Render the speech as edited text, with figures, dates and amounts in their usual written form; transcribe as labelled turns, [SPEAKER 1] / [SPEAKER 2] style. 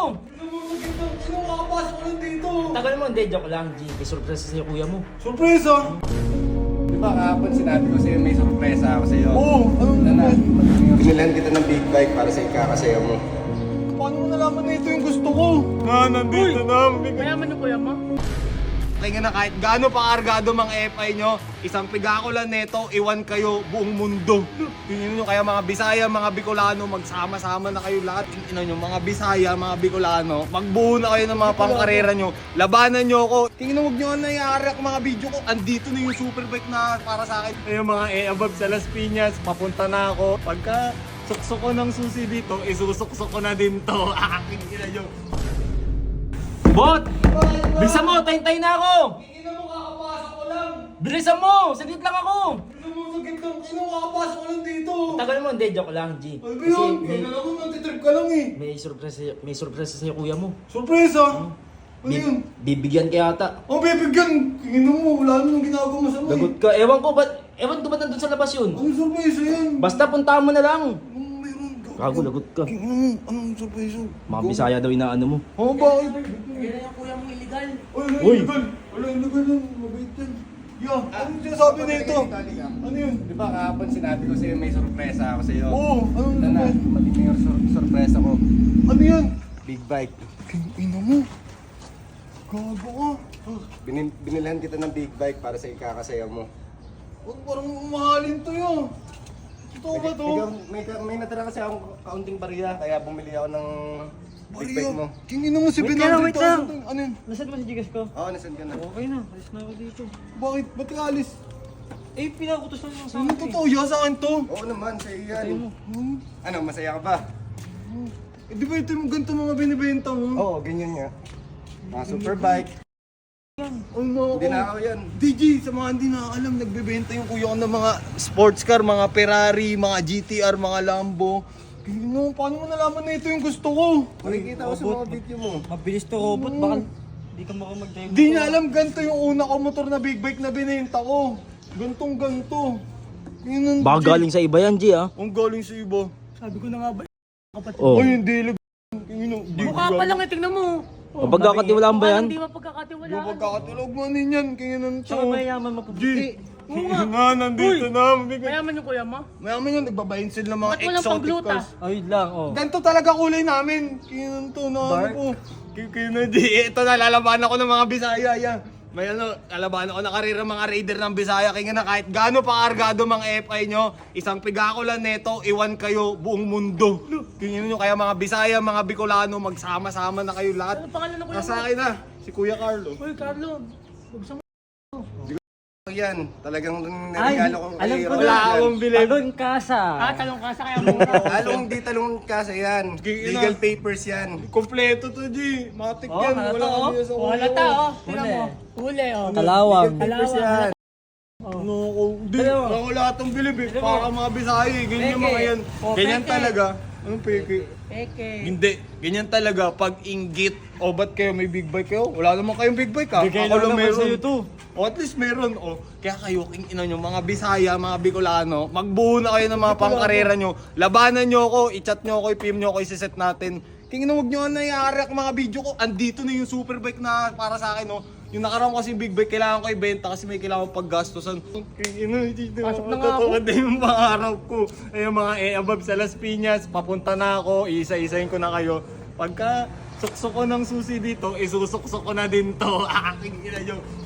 [SPEAKER 1] Sino makapasok ko lang dito?
[SPEAKER 2] Tagal mo, hindi, joke lang, G. May surprise sa'yo, kuya mo.
[SPEAKER 1] Surpresa!
[SPEAKER 3] Di ba kahapon sinabi ko sa'yo may sorpresa ako sa'yo?
[SPEAKER 1] Oo,
[SPEAKER 3] Ano na? Binilan kita ng big bike para sa ikakasayaw mo.
[SPEAKER 1] Paano mo nalaman na ito yung gusto ko? Nandito na.
[SPEAKER 4] Mayaman yung kuya mo?
[SPEAKER 1] Kaya na kahit gaano pa kargado mga FI nyo, isang pigako lang neto, iwan kayo buong mundo. Tingnan nyo kaya mga Bisaya, mga Bicolano, magsama-sama na kayo lahat. Tingnan nyo mga Bisaya, mga Bicolano, magbuo na kayo ng mga pangkarera nyo. Labanan nyo ako. Tingnan mo, huwag nyo na i-react mga video ko. Andito na yung superbike na para sa akin. Ayun mga above sa Las Piñas, papunta na ako. Pagka suksok ko ng susi dito, isusuksok ko na din to. Aking ina nyo.
[SPEAKER 2] Bot! Bilisan mo, tayin-tayin na ako!
[SPEAKER 1] Ina mo, kakapasok ko lang.
[SPEAKER 2] Bilisan mo! Saglit lang ako!
[SPEAKER 1] Ina mo, sagit lang. Sino kakapasok ko lang dito?
[SPEAKER 2] Tagal mo, hindi, joke lang, G.
[SPEAKER 1] Ay,
[SPEAKER 2] Kasi
[SPEAKER 1] yun.
[SPEAKER 2] may,
[SPEAKER 1] Kailan ako nagtitrip ka lang eh.
[SPEAKER 2] may surprise sa'yo, kuya mo.
[SPEAKER 1] Surpresa? Ano yun?
[SPEAKER 2] Bibigyan ka yata.
[SPEAKER 1] Ang bibigyan! Ina mo, wala naman ginagawa mo sa mo
[SPEAKER 2] Lagot ka. Ewan ko ba't nandun sa labas yun?
[SPEAKER 1] Anong surpresa yan?
[SPEAKER 2] Basta puntahan mo na lang.
[SPEAKER 1] Anong meron?
[SPEAKER 2] Gago, lagot ka.
[SPEAKER 1] Ina mo, anong surpresa?
[SPEAKER 2] Mga Bisaya daw inaano mo.
[SPEAKER 1] Oh, bakit?
[SPEAKER 4] Yan na yung kuya mong illegal.
[SPEAKER 1] Wala
[SPEAKER 2] Uy!
[SPEAKER 1] illegal. Wala illegal yan. Mabait yan. Yeah, anong sinasabi na ito? Ano yun?
[SPEAKER 3] Di ba kahapon sinabi ko sa'yo may sorpresa ako sa'yo?
[SPEAKER 1] Oo, anong
[SPEAKER 3] Ano na? Matindi yung sorpresa ko.
[SPEAKER 1] Ano yan?
[SPEAKER 3] Big bike.
[SPEAKER 1] Ina mo. Gago ka.
[SPEAKER 3] Binilan kita ng big bike para sa ikakasayaw mo.
[SPEAKER 1] Huwag parang mahalin to yun. Totoo ba to?
[SPEAKER 3] May natira kasi akong kaunting bariya kaya bumili ako ng big bike mo.
[SPEAKER 1] Kingin mo si
[SPEAKER 2] Wait lang, wait lang.
[SPEAKER 1] 700,000. Ano yun?
[SPEAKER 2] Nasaan mo si Gigas ko?
[SPEAKER 3] Oo, nasan ka na?
[SPEAKER 2] Okay na, alis na ako dito.
[SPEAKER 1] Bakit? Ba't ka alis?
[SPEAKER 2] Eh, pinakutos lang yung
[SPEAKER 1] Ano totoo yan sa akin to?
[SPEAKER 3] Oo naman, sa'yo yan.
[SPEAKER 2] mo.
[SPEAKER 3] Ano, masaya ka ba?
[SPEAKER 1] Eh, di ba ito yung ganito mga binibenta mo?
[SPEAKER 3] Oo, ganyan nga. Mga superbike.
[SPEAKER 1] Ay, mga
[SPEAKER 3] Hindi na ako yan.
[SPEAKER 1] DJ, sa mga hindi nakakalam, nagbebenta yung kuya ko ng mga sports car, mga Ferrari, mga GTR, mga Lambo. Kino, paano mo nalaman na ito yung gusto ko?
[SPEAKER 3] Makikita ko sa mga video mo.
[SPEAKER 2] Mabilis to, robot. Baka hindi ka makamag-drive.
[SPEAKER 1] Di niya alam ganito yung una ko motor na big bike na binenta ko. Gantong ganto. Yun,
[SPEAKER 2] Baka galing sa iba yan, G, ah.
[SPEAKER 1] Ang galing sa iba.
[SPEAKER 4] Sabi ko na nga ba, kapatid.
[SPEAKER 2] Oh.
[SPEAKER 1] Ay, hindi lag. Di
[SPEAKER 4] Mukha pa lang eh, tingnan mo.
[SPEAKER 2] Mapagkakatiwalaan ba yan?
[SPEAKER 4] Hindi mapagkakatiwalaan.
[SPEAKER 1] Yung pagkakatulog mo ninyan, kaya nang to.
[SPEAKER 2] Tsaka mayaman mapuputi.
[SPEAKER 1] Nga, nandito na.
[SPEAKER 4] Mayaman yung kuya mo?
[SPEAKER 1] Mayaman yun, nagbabayin sila ng mga
[SPEAKER 4] Ba't walang
[SPEAKER 1] exotic
[SPEAKER 4] pangluta?
[SPEAKER 1] cars.
[SPEAKER 2] Ayun lang, oh.
[SPEAKER 1] Ganito talaga kulay namin. Kaya nang to, na ano
[SPEAKER 2] Dark.
[SPEAKER 1] po. Kaya na di, ito na, lalaban ako ng mga Bisaya, yan. May ano, lalaban ako ng karera mga raider ng Bisaya. Kaya na kahit gaano pa kargado mga FI nyo, isang pigako lang neto, iwan kayo buong mundo. Kaya nyo, kaya mga Bisaya, mga Bicolano, magsama-sama na kayo lahat.
[SPEAKER 4] Ano pangalan ng kuya mo?
[SPEAKER 1] Nasa akin na, si Kuya Carlo.
[SPEAKER 4] Uy, Carlo. Bubusang mo.
[SPEAKER 3] Yan, talagang niregalo kong
[SPEAKER 2] alam ko
[SPEAKER 1] Wala
[SPEAKER 2] na.
[SPEAKER 1] akong bilib.
[SPEAKER 2] Talon kasa.
[SPEAKER 4] Talong ka sa kaya mo.
[SPEAKER 3] Talong di talong kasa yan. Legal papers yan.
[SPEAKER 1] Kompleto to, G. Matik
[SPEAKER 2] Oh,
[SPEAKER 1] yan.
[SPEAKER 2] halata,
[SPEAKER 1] Wala
[SPEAKER 2] oh.
[SPEAKER 1] kami sa ulo.
[SPEAKER 4] Wala ta, oh. Tingnan
[SPEAKER 2] Huli.
[SPEAKER 4] mo. Huli, oh.
[SPEAKER 2] Kalawang.
[SPEAKER 3] Papers yan.
[SPEAKER 1] Ano ako? Di,
[SPEAKER 2] Dalawa.
[SPEAKER 1] wala atong bilib eh. Para mga Bisaya eh. Ganyan yung mga yan.
[SPEAKER 4] Oh,
[SPEAKER 1] Ganyan
[SPEAKER 4] peke.
[SPEAKER 1] talaga. Anong peke?
[SPEAKER 4] Peke.
[SPEAKER 1] Hindi. Ganyan talaga. Pag inggit. O ba't kayo may big bike kayo? Wala naman kayong big bike ha?
[SPEAKER 2] Bigay
[SPEAKER 1] Ako
[SPEAKER 2] lang
[SPEAKER 1] lang
[SPEAKER 2] naman
[SPEAKER 1] meron.
[SPEAKER 2] sa'yo to.
[SPEAKER 1] O at least meron. O, kaya kayo, king ina nyo, mga Bisaya, mga Bicolano, magbuo na kayo ng mga pangkarera nyo. Labanan nyo ako, i-chat nyo ako, i-PM nyo ako, i-set natin. King ina, huwag nyo na i-react mga video ko. Andito na yung superbike na para sa akin, no. Yung nakaraan ko kasi big bike, kailangan ko ibenta kasi may kailangan paggastosan. King ina, dito
[SPEAKER 4] Pasok na nga ako.
[SPEAKER 1] matutulad na yung pangarap ko. Ayun mga above sa Las Piñas, papunta na ako, isa-isahin ko na kayo. Pagka suksok ko ng susi dito, isusuksok ko na din to. Aking ina nyo.